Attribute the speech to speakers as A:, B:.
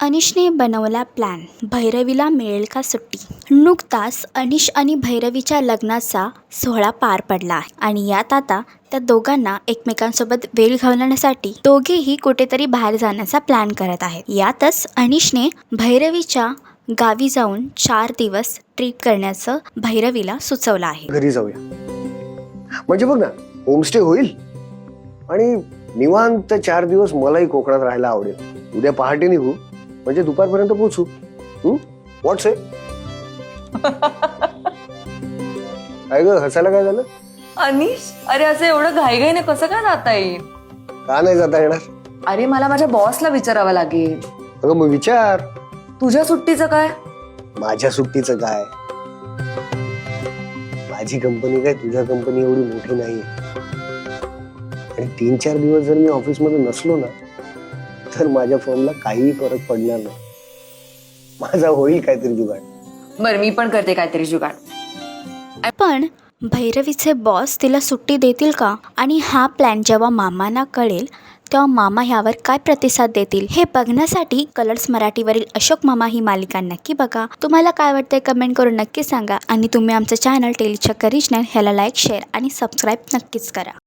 A: अनिशने बनवला प्लॅन, भैरवीला मिळेल का सुट्टी. नुकताच अनिश आणि भैरवीच्या लग्नाचा सोहळा पार पडला आहे आणि यात आता त्या दोघांना एकमेकांसोबत वेळ घालवण्यासाठी दोघेही कुठेतरी बाहेर जाण्याचा प्लॅन करत आहेत. यातच अनिशने भैरवीच्या गावी जाऊन 4 दिवस ट्रिप करण्याचं भैरवीला सुचवलं आहे.
B: घरी जाऊया म्हणजे बघ ना, होमस्टे होईल आणि निवांत 4 दिवस मलाही कोकणात राहायला आवडेल. उद्या पहाटे निघू म्हणजे दुपारपर्यंत पोहोचू. व्हॉट्स आहे? काय ग, हसायला काय झालं?
C: अनिश, अरे असं एवढं घाईघाईने कसं काय जाता येईल?
B: का नाही जाता येणार?
C: अरे मला माझ्या बॉसला विचारावं लागेल.
B: अगं मग विचार.
C: तुझ्या सुट्टीचं काय?
B: माझ्या सुट्टीचं काय? माझी कंपनी काय तुझ्या कंपनी एवढी मोठी नाहीये आणि 3-4 दिवस जर मी ऑफिसमध्ये नसलो ना तर माझ्या फर्मला काहीही फरक पडणार नाही. माझा होईल काहीतरी जुगाड.
C: बरं, मी पण करते काहीतरी जुगाड.
A: पण भैरवीचे बॉस तिला सुट्टी देतील का? आणि हा प्लॅन जेव्हा मामांना कळेल तेव्हा मामा ह्यावर काय प्रतिसाद देतील हे बघण्यासाठी कलर्स मराठीवरील अशोक मामा ही मालिका नक्की बघा. तुम्हाला काय वाटतंय कमेंट करून नक्की सांगा आणि तुम्ही आमचं चॅनल टेलीचक्कर रिजनल ह्याला लाईक, शेअर आणि सबस्क्राईब नक्कीच करा.